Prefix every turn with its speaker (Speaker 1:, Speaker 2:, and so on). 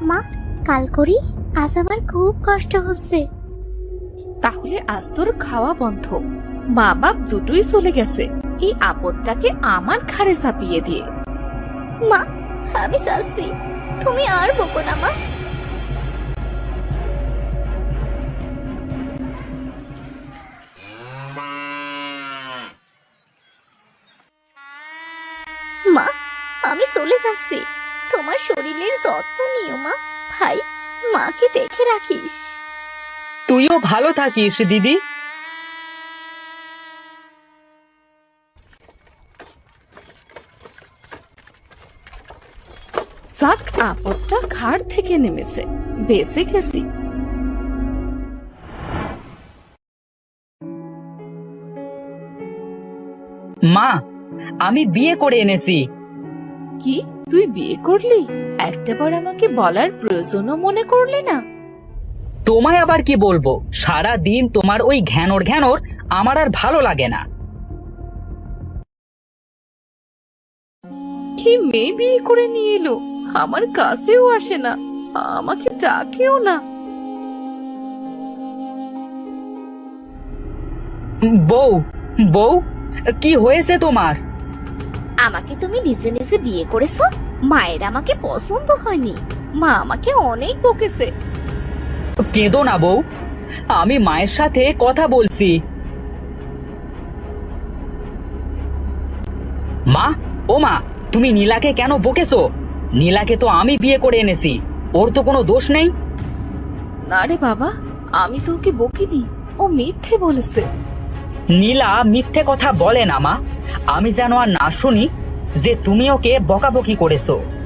Speaker 1: মা, কাল করি, আজ আমার খুব কষ্ট হচ্ছে।
Speaker 2: তাহলে আজ তোর খাওয়া বন্ধ। মা বাপ দুটোই চলে গেছে, এই আপদটাকে আমার ঘাড়ে চাপিয়ে দিয়ে।
Speaker 1: মা, আমি চাচ্ছি তুমি আর বকো না মা। মা, আমি চলে যাচ্ছি, তোমার শরীরের যত্ন নিও মা। ভাই, মাকে দেখে রাখিস।
Speaker 3: তুইও ভালো থাকিস দিদি।
Speaker 2: যাক, আপদটা ঘাড় থেকে নেমেছে, বেঁচে গেছি।
Speaker 3: মা, আমি বিয়ে করে এনেছি।
Speaker 2: কি, তুই বিয়ে করলি? একটাবার আমাকে বলার প্রয়োজনও মনে করলি না?
Speaker 3: তোমায় আবার কি বলবো, সারা দিন তোমার ওই ঘ্যানোর ঘ্যানোর আমার আর ভালো লাগে না।
Speaker 2: কি মেয়ে বিয়ে করে নিয়ে এলো, আমার কাছেও আসে না, আমাকে ডাকেও না।
Speaker 3: বউ, বউ, কি হয়েছে তোমার?
Speaker 1: আমাকে তুমি নিজে নিজে বিয়ে করেছো? মায়ের আমাকে পছন্দ হয়নি, মা আমাকে অনেক বকেছে।
Speaker 3: কেঁদো না বউ, আমি মায়ের সাথে কথা বলছি। মা, ও মা, তুমি নীলাকে কেন বকেছো? নীলাকে তো আমি বিয়ে করে এনেছি, ওর তো কোনো দোষ নেই।
Speaker 2: না রে বাবা, আমি তো ওকে বকিনি, ও মিথ্যে বলেছে।
Speaker 3: নীলা মিথ্যে কথা বলে না মা, আমি যেন আর না শুনি যে তুমি ওকে বকাবকি করেছো।